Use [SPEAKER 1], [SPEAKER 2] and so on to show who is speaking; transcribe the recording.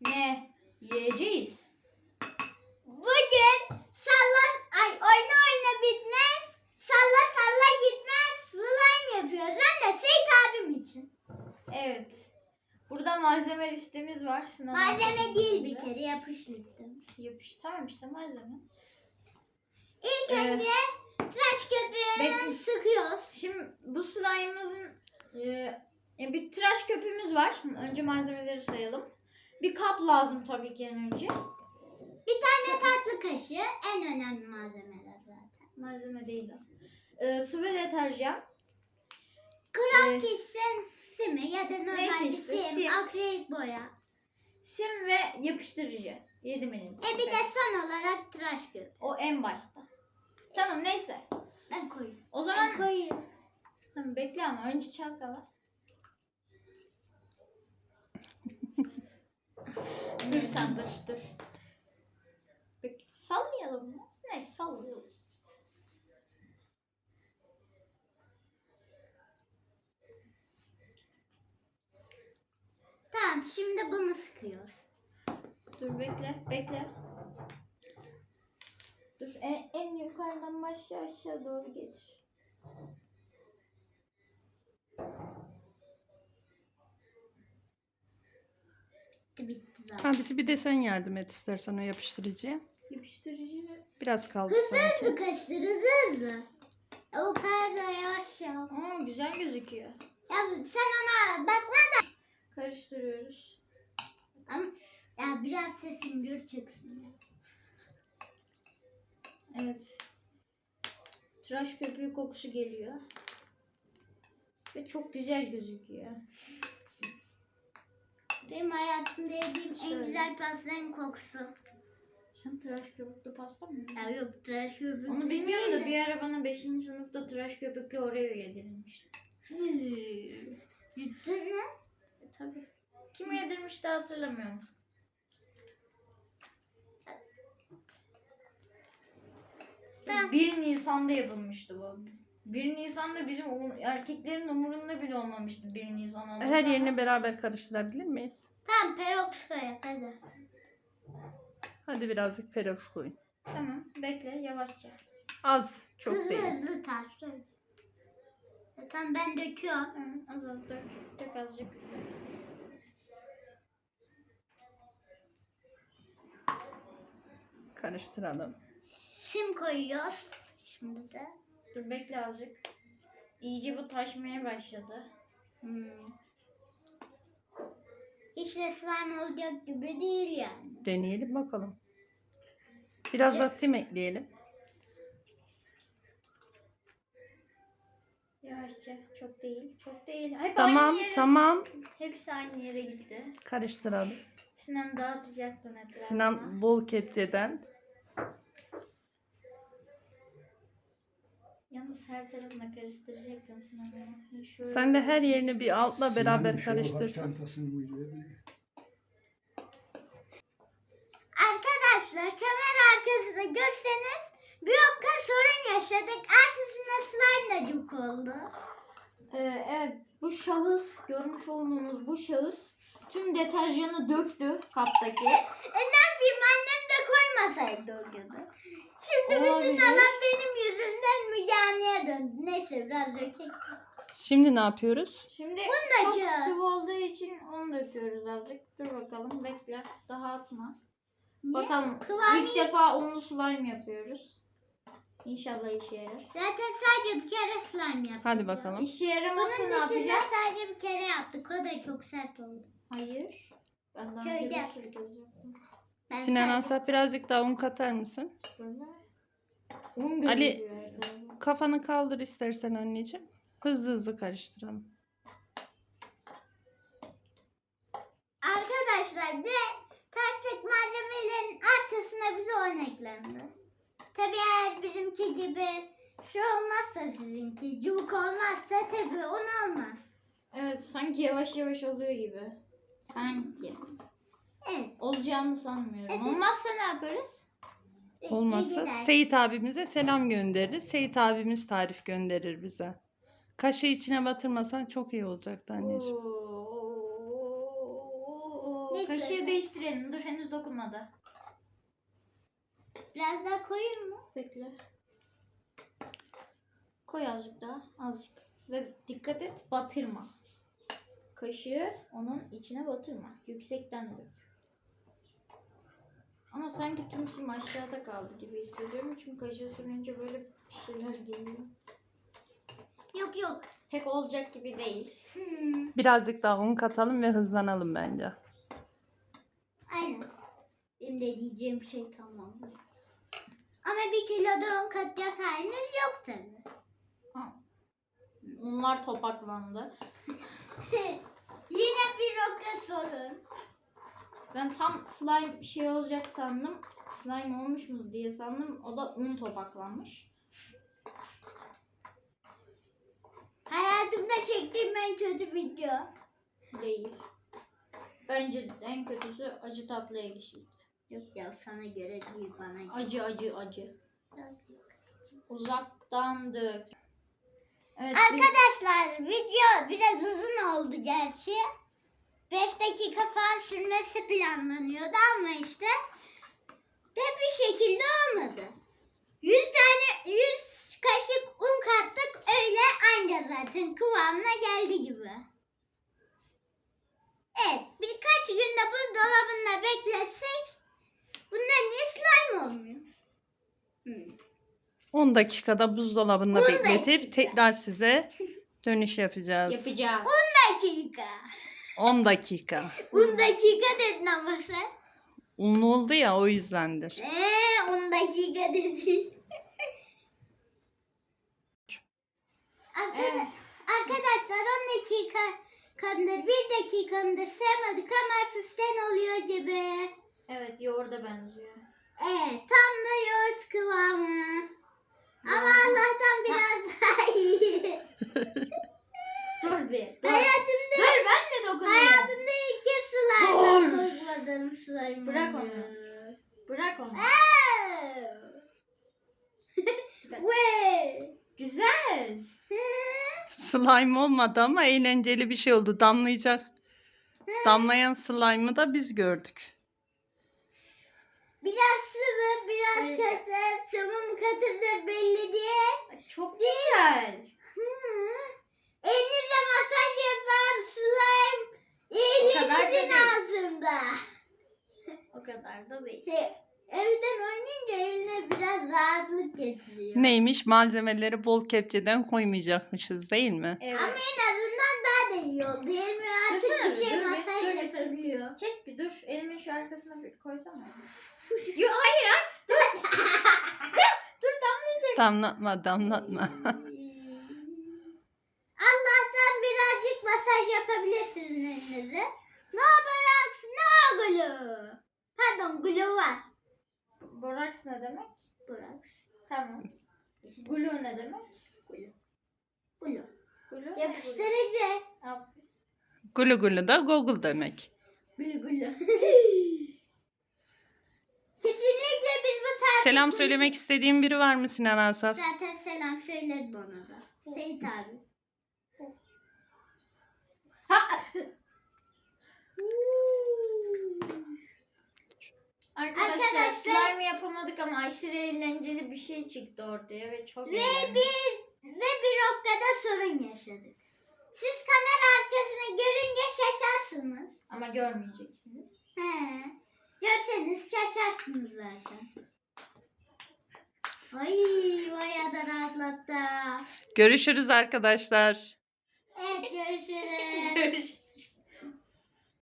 [SPEAKER 1] Ne yiyeceğiz?
[SPEAKER 2] Bugün oyna oyna bitmez, salla salla gitmez, slime yapıyoruz. Hem de Seyit abim için.
[SPEAKER 1] Evet. Burada malzeme listemiz var.
[SPEAKER 2] Malzeme değil bir kere, yapış listemiz.
[SPEAKER 1] Yapış. Tamam işte malzeme.
[SPEAKER 2] İlk önce tıraş köpüğünü sıkıyoruz.
[SPEAKER 1] Şimdi bu slime'ımızın bir tıraş köpüğümüz var. Önce malzemeleri sayalım. Bir kap lazım tabii ki en önce.
[SPEAKER 2] Bir tane tatlı kaşığı, en önemli malzemeler zaten.
[SPEAKER 1] Malzeme değil o. Sıvı deterjan.
[SPEAKER 2] Craft Kiss'in simi ya da normal bir
[SPEAKER 1] işte,
[SPEAKER 2] sim, akrilik boya.
[SPEAKER 1] Sim ve yapıştırıcı. 7 milim.
[SPEAKER 2] Bir de son olarak tıraş köpüğü.
[SPEAKER 1] O en başta. Tamam neyse.
[SPEAKER 2] Ben koyayım.
[SPEAKER 1] O zaman
[SPEAKER 2] Ben koyayım.
[SPEAKER 1] tamam, bekle ama önce çalkala. Dur sen dur. Bekle. Sallayalım mı? Neyse sallayalım.
[SPEAKER 2] Tamam, şimdi bunu sıkıyoruz.
[SPEAKER 1] Dur bekle. Dur en yukarıdan başla aşağı doğru getir.
[SPEAKER 2] Bitti zaten.
[SPEAKER 3] Abisi bir de sen yardım et istersen o yapıştırıcıya.
[SPEAKER 1] Yapıştırıcı.
[SPEAKER 3] Biraz kaldı
[SPEAKER 2] Hızlı
[SPEAKER 3] sanki.
[SPEAKER 2] hızlı karıştır, hızlı. O kadar da yavaş yap.
[SPEAKER 1] Güzel gözüküyor.
[SPEAKER 2] Ya sen ona bakma.
[SPEAKER 1] Karıştırıyoruz.
[SPEAKER 2] Ama ya biraz sesim gür çıksın. Ya.
[SPEAKER 1] Evet. Tıraş köpüğü kokusu geliyor. Ve çok güzel gözüküyor.
[SPEAKER 2] Benim hayatımda yediğim
[SPEAKER 1] Şöyle.
[SPEAKER 2] en güzel pastanın kokusu.
[SPEAKER 1] Sen tıraş köpüklü pasta mı yedin?
[SPEAKER 2] Ya yok, tıraş köpüğü.
[SPEAKER 1] Onu bilmiyorum da bir ara bana 5. sınıfta tıraş köpüklü Oreo yedirilmişti.
[SPEAKER 2] Yedin mi?
[SPEAKER 1] Tabii. Kim yedirmişti hatırlamıyorum.
[SPEAKER 2] Ben-
[SPEAKER 1] 1 Nisan'da yapılmıştı bu. 1 Nisan'da bizim erkeklerin umurunda bile olmamıştı 1 Nisan olması.
[SPEAKER 3] Her
[SPEAKER 1] ama-
[SPEAKER 3] yerini beraber karıştırabilir miyiz?
[SPEAKER 2] Tamam, peroks koyak hadi.
[SPEAKER 3] Hadi birazcık peroks koyun.
[SPEAKER 1] Tamam bekle yavaşça.
[SPEAKER 3] Az, çok
[SPEAKER 2] Hızlı
[SPEAKER 3] değil.
[SPEAKER 2] hızlı tar. Tamam, ben döküyorum.
[SPEAKER 1] Tamam, az dök. Dök azıcık.
[SPEAKER 3] Karıştıralım.
[SPEAKER 2] Sim koyuyoruz. Şimdi de.
[SPEAKER 1] Dur bekle azıcık. İyice bu taşmaya başladı.
[SPEAKER 2] Hiç de slime olacak gibi değil yani.
[SPEAKER 3] Deneyelim bakalım. Biraz da sim ekleyelim.
[SPEAKER 1] Yavaşça. Çok değil. Çok değil. Hep
[SPEAKER 3] Tamam,
[SPEAKER 1] aynı yere,
[SPEAKER 3] tamam.
[SPEAKER 1] Hepsi aynı yere gitti.
[SPEAKER 3] Karıştıralım.
[SPEAKER 1] Sinan dağıtacaktın etrafına.
[SPEAKER 3] Sinan bol kepçeden.
[SPEAKER 1] Yalnız her tarafına karıştıracaktın Sinan'ı. Şöyle
[SPEAKER 3] Sen de her
[SPEAKER 1] karıştır.
[SPEAKER 3] yerini bir altla beraber
[SPEAKER 4] Sinan'ın şu
[SPEAKER 3] karıştırsın.
[SPEAKER 4] çantasını mıydı?
[SPEAKER 2] Arkadaşlar, kamera arkasında görseniz bir okka sorun yaşadık. Ertesinde slime cuk oldu.
[SPEAKER 1] Evet bu şahıs, görmüş olduğunuz bu şahıs tüm deterjanı döktü kaptaki.
[SPEAKER 2] Ne yapayım, annem de koymasaydı o gün. Şimdi bütün
[SPEAKER 1] Olabilir.
[SPEAKER 2] alan benim yüzümden Müge döndü. Neyse, biraz dökeyim.
[SPEAKER 3] Şimdi ne yapıyoruz?
[SPEAKER 1] Şimdi
[SPEAKER 2] Bunu
[SPEAKER 1] çok
[SPEAKER 2] döküyoruz.
[SPEAKER 1] sıvı olduğu için onu döküyoruz azıcık. Dur bakalım bekle. Daha atma.
[SPEAKER 2] Niye?
[SPEAKER 1] Bakalım
[SPEAKER 2] Kıvamı-
[SPEAKER 1] ilk defa unlu slime yapıyoruz. İnşallah işe yarar.
[SPEAKER 2] Zaten sadece bir kere slime yaptık.
[SPEAKER 3] Hadi bakalım.
[SPEAKER 1] İşe yaramazsa
[SPEAKER 2] Bunun
[SPEAKER 1] ne
[SPEAKER 2] dışında
[SPEAKER 1] yapacağız?
[SPEAKER 2] sadece bir kere yaptık. O da çok sert oldu.
[SPEAKER 1] Hayır. Ben daha
[SPEAKER 2] Köyde.
[SPEAKER 1] önce bir sürü kez yaptım.
[SPEAKER 2] Ben
[SPEAKER 3] Sinan
[SPEAKER 2] sadece-
[SPEAKER 3] Asaf birazcık daha un katar mısın?
[SPEAKER 1] Böyle. Un
[SPEAKER 3] Ali-
[SPEAKER 1] gözüküyor her tarafı.
[SPEAKER 3] Kafanı kaldır istersen anneciğim. Hızlı hızlı karıştıralım.
[SPEAKER 2] Arkadaşlar, bir de taktik malzemelerin artısına bize on eklendi. Tabii eğer bizimki gibi şu olmazsa, sizinki cıvık olmazsa tabii un olmaz.
[SPEAKER 1] Evet sanki yavaş yavaş oluyor gibi. Sanki.
[SPEAKER 2] Evet.
[SPEAKER 1] Olacağını sanmıyorum.
[SPEAKER 2] Evet.
[SPEAKER 1] Olmazsa ne yaparız?
[SPEAKER 3] Olmazsa
[SPEAKER 2] bilgiler.
[SPEAKER 3] Seyit abimize selam göndeririz. Seyit abimiz tarif gönderir bize. Kaşığı içine batırmasan çok iyi olacaktı anneciğim.
[SPEAKER 1] Oo.
[SPEAKER 2] Neyse.
[SPEAKER 1] Kaşığı değiştirelim. Dur henüz dokunmadı.
[SPEAKER 2] Biraz daha koyayım mı?
[SPEAKER 1] Bekle. Koy azıcık daha. Azıcık. Ve dikkat et batırma. Kaşığı onun içine batırma. Yüksekten dök. Ama sanki tüm sim aşağıda kaldı gibi hissediyorum. Çünkü kaşığı sürünce böyle bir şeyler geliyor.
[SPEAKER 2] Yok yok.
[SPEAKER 1] Pek olacak gibi değil.
[SPEAKER 3] Birazcık daha un katalım ve hızlanalım bence.
[SPEAKER 2] Aynen. Benim de diyeceğim şey tamam. Ama 1 kiloda un katacak halimiz yok tabii.
[SPEAKER 1] Unlar topaklandı.
[SPEAKER 2] Yine bir roka sorun.
[SPEAKER 1] Ben tam slime bir şey olacak sandım. Slime olmuş mu diye sandım. O da un topaklanmış.
[SPEAKER 2] Hayatımda çektiğim en kötü video.
[SPEAKER 1] Değil. Bence en kötüsü acı tatlı ekşiydi.
[SPEAKER 2] Yok ya sana göre değil bana göre.
[SPEAKER 1] Acı acı acı. Uzaktan dök. Evet,
[SPEAKER 2] Arkadaşlar video biraz uzun oldu gerçi. 5 dakika falan sürmesi planlanıyordu ama işte de bir şekilde olmadı. 100 kaşık un kattık öyle anca zaten kıvamına geldi gibi. Evet birkaç günde buzdolabında bekletsek bunlar niye slime olmuyor?
[SPEAKER 3] 10 dakikada buzdolabında
[SPEAKER 2] 10
[SPEAKER 3] bekletip
[SPEAKER 2] dakika.
[SPEAKER 3] tekrar size dönüş yapacağız.
[SPEAKER 1] yapacağız.
[SPEAKER 2] Dakika.
[SPEAKER 3] 10 dakika.
[SPEAKER 2] 10 dakika dedin ama sen.
[SPEAKER 3] Unlu oldu ya o yüzdendir.
[SPEAKER 2] 10 dakika dedin. Arkadaşlar 10 dakikamdır 1 dakikamdır saymadık ama hafiften oluyor gibi.
[SPEAKER 1] Evet yoğurda benziyor.
[SPEAKER 2] Evet tam da yoğurt kıvamı. Ama Allah'tan biraz daha iyi.
[SPEAKER 1] Dur bir. Dur.
[SPEAKER 2] Hayatımda,
[SPEAKER 1] Dur ben de dokunayım.
[SPEAKER 2] hayatımda ilk kez slime
[SPEAKER 1] Dur.
[SPEAKER 2] kokladığım slime
[SPEAKER 1] Bırak
[SPEAKER 2] oluyor.
[SPEAKER 1] onu. Bırak onu.
[SPEAKER 2] Ve
[SPEAKER 1] Güzel.
[SPEAKER 3] Slime olmadı ama eğlenceli bir şey oldu. Damlayacak. Damlayan slime'ı da biz gördük.
[SPEAKER 2] biraz sıvı, biraz
[SPEAKER 1] Evet.
[SPEAKER 2] katı, sıvı mı katıdır belli değil.
[SPEAKER 1] Çok güzel.
[SPEAKER 2] Elinize masaj yapan slime
[SPEAKER 1] kadar da
[SPEAKER 2] elinizin
[SPEAKER 1] değil.
[SPEAKER 2] ağzında.
[SPEAKER 1] O kadar da değil.
[SPEAKER 2] Evden oynayınca eline biraz rahatlık getiriyor.
[SPEAKER 3] Neymiş? Malzemeleri bol kepçeden koymayacakmışız değil mi?
[SPEAKER 1] Evet.
[SPEAKER 2] Ama en azından daha da iyi oldu. Elime artık
[SPEAKER 1] Dursana
[SPEAKER 2] bir
[SPEAKER 1] bir,
[SPEAKER 2] şey
[SPEAKER 1] dur bir,
[SPEAKER 2] masaj
[SPEAKER 1] dur bir,
[SPEAKER 2] yapabiliyor.
[SPEAKER 1] Çek bir dur. Elimin şu arkasına bir koysana. Yok hayır hayır. Dur. Dur damlayacak.
[SPEAKER 3] Damlatma.
[SPEAKER 2] Allah'tan birazcık masaj yapabilirsiniz elinize. No borax, no glue. Pardon glue var.
[SPEAKER 1] Boraks ne demek?
[SPEAKER 2] Borax.
[SPEAKER 1] Tamam. Glue ne demek?
[SPEAKER 2] Glue.
[SPEAKER 1] Glue ne?
[SPEAKER 2] Yapıştırıcı.
[SPEAKER 1] Aferin.
[SPEAKER 3] Gulu gulu da Google demek.
[SPEAKER 2] Glue glue. Kesinlikle biz bu tarz...
[SPEAKER 3] Selam söylemek istediğin biri var mı Sinan Asaf?
[SPEAKER 2] Zaten selam söyledi bana da. Seyit abi.
[SPEAKER 1] Arkadaşlar
[SPEAKER 2] Arkadaşlar-
[SPEAKER 1] slime yapamadık ama aşırı eğlenceli bir şey çıktı ortaya ve çok
[SPEAKER 2] Ve
[SPEAKER 1] eğlendik.
[SPEAKER 2] bir noktada sorun yaşadık. Siz kamera arkasını görünce şaşarsınız.
[SPEAKER 1] Ama görmeyeceksiniz.
[SPEAKER 2] He. Görseniz şaşarsınız zaten. Ay bayağı da rahatlattı.
[SPEAKER 3] Görüşürüz arkadaşlar.
[SPEAKER 2] Evet görüşürüz.
[SPEAKER 1] Görüşürüz.